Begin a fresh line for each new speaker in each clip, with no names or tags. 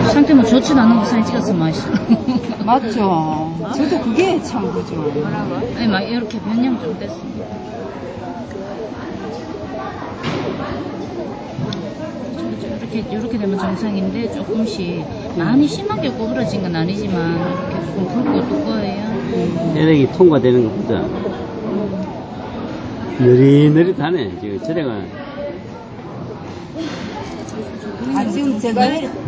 상태만 좋지도 않은 거 사진 찍어서 맛이.
맞죠. 저도 그게 참 그죠.
아니, 막 이렇게 변형 좀 됐습니다. 이렇게 되면 정상인데 조금씩 많이 심하게 구부러진 건 아니지만 이렇게 조금 붉고 두꺼워요.
혈액이 통과되는 것보다 느릿느릿하네. 지금 저래가
지금 제가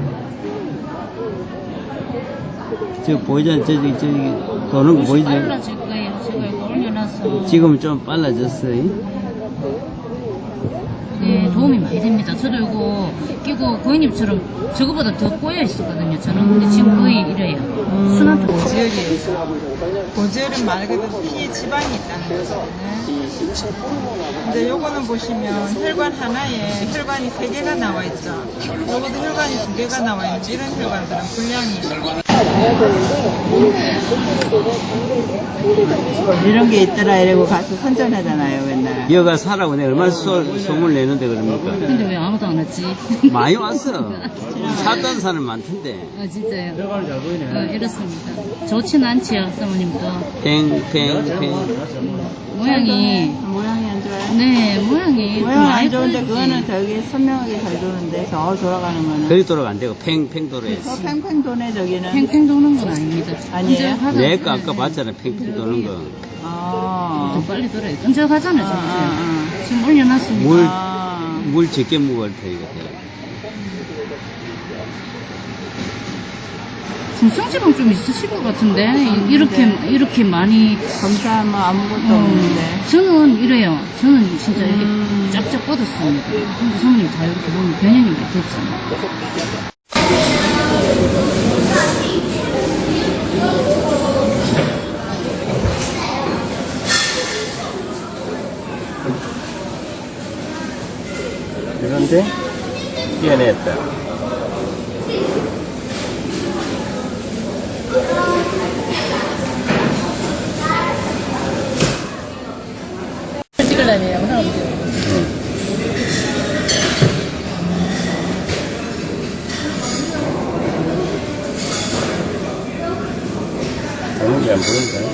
저 보이잖아. 저기 도는 거 보이지?
빨라질 거예요. 제가 이거 올려놔서.
지금은 좀 빨라졌어요.
네, 도움이 많이 됩니다. 저도 이거 끼고 고객님처럼 저거보다 더 꼬여 있었거든요, 저는. 근데 지금 거의 이래요. 순한 쪽.
고지혈은 말 그대로 피에 지방이 있다는 거거든요. 근데 요거는 보시면 혈관 하나에 혈관이 3개가 나와 있죠. 요것도 혈관이 2개가 나와 있는데 이런 혈관들은 분량이
이런 게 있더라 이러고 가서 선전하잖아요 맨날.
여가 사라고 내가 얼마나 소문을 내는데 그럽니까?
근데 왜 아무도 안 왔지?
많이 왔어. 샀다는 사람 많던데.
아, 진짜요? 이렇습니다. 좋진 않지요, 사모님도.
팽팽팽.
모양이
안 좋아요.
네, 모양이
모양
많이
안 좋은데
보이지.
그거는 되게 선명하게 잘 도는데 저 돌아가는 거는
그리 돌아가 안 되고 팽팽 돌아야지.
저 팽팽 도네 저기는.
팽팽 도는 건 아닙니다.
아니에요?
끈적하다.
내가 아까 봤잖아. 팽팽 도는 거.
더 빨리 돌아요. 끈적하잖아요, 진짜. 지금 올려놨습니다.
물 적게 묵을 테니까.
중성지방 좀 있으실 것 같은데 이렇게 많이
검사하면 아무것도 없는데.
저는 이래요. 저는 진짜 이렇게 쫙쫙 뻗었습니다. 근데 사모님 다 이렇게 보면 변형이 됐잖아요.
그런데 뛰어냈다.
찍으려네요.
보는 게 안 보인다.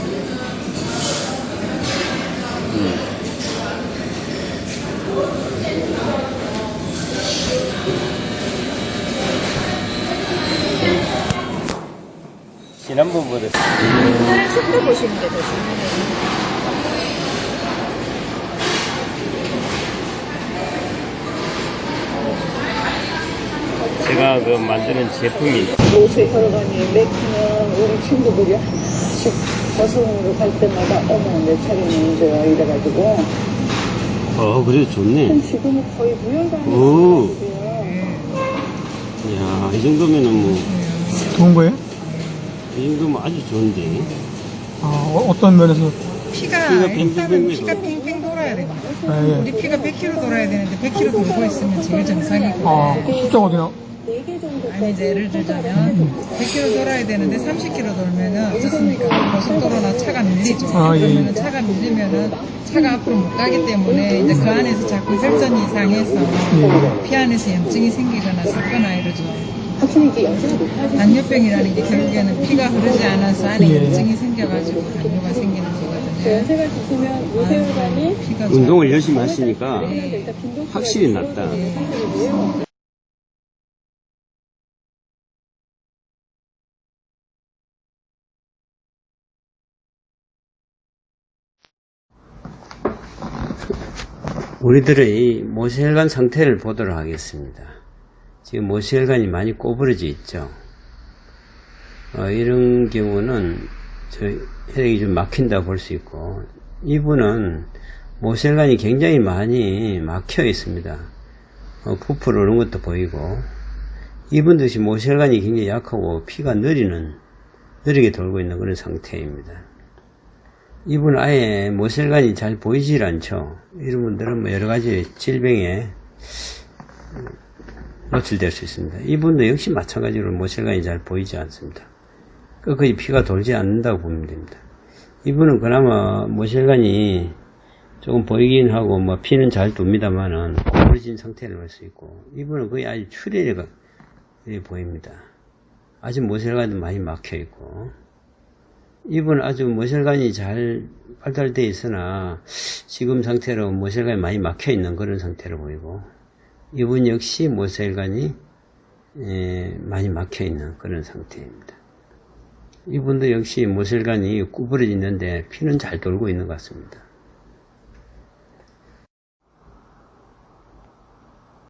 지난번보다
속도 보시는 게 더 중요해요.
제가 그 만드는 제품이
요새 혈관이 맥히면 우리 친구들이 하나씩 저승으로 갈 때마다 어머 내 차례는 이래가지고
그래도 좋네.
지금은 거의 무혈관이
오.
있어요.
이야, 이 정도면은 뭐,
좋은 거예요?
이 정도면 아주 좋은데.
어떤 면에서?
피가 일단은 피가 팽팽 돌아야 됩니다.
예.
우리 피가 100km 돌아야 되는데 100km 돌고 있으면 제일 정상이고
숫자가 어디나?
아니 이제 예를 들자면 100km 돌아야 되는데 30km 돌면은 어떻습니까? 고속도로나 차가 밀리죠.
예.
그러면은 차가 밀리면은 차가 앞으로 못 가기 때문에 이제 그 안에서 자꾸 혈전이 이상해서 피 안에서 염증이 생기거나 섞거나 이러죠.
확실히 이게 연세가 높아지면
당뇨병이라는 게 결국에는 피가 흐르지 않아서 안에
예.
염증이 생겨가지고 당뇨가 생기는 거거든요.
연세가 있으면 요새혈관이
피가
운동을 열심히 하시니까
일단 빈도수가
확실히 낫다.
사실이고요.
우리들의 모세혈관 상태를 보도록 하겠습니다. 지금 모세혈관이 많이 꼬부러져 있죠. 이런 경우는 혈액이 좀 막힌다고 볼 수 있고, 이분은 모세혈관이 굉장히 많이 막혀 있습니다. 부풀어 오는 것도 보이고, 이분 역시 모세혈관이 굉장히 약하고 피가 느리게 돌고 있는 그런 상태입니다. 이분은 아예 모세혈관이 잘 보이질 않죠. 이런 분들은 뭐 여러 가지 질병에 노출될 수 있습니다. 이분도 역시 마찬가지로 모세혈관이 잘 보이지 않습니다. 거의 피가 돌지 않는다고 보면 됩니다. 이분은 그나마 모세혈관이 조금 보이긴 하고 뭐 피는 잘 돕니다만은 구부러진 상태를 볼 수 있고, 이분은 거의 아주 출혈이 보입니다. 아직 모세혈관도 많이 막혀 있고, 이분은 아주 모세혈관이 잘 발달되어 있으나 지금 상태로 모세혈관이 많이 막혀 있는 그런 상태로 보이고, 이분 역시 모세혈관이 많이 막혀 있는 그런 상태입니다. 이분도 역시 모세혈관이 구부러져 있는데 피는 잘 돌고 있는 것 같습니다.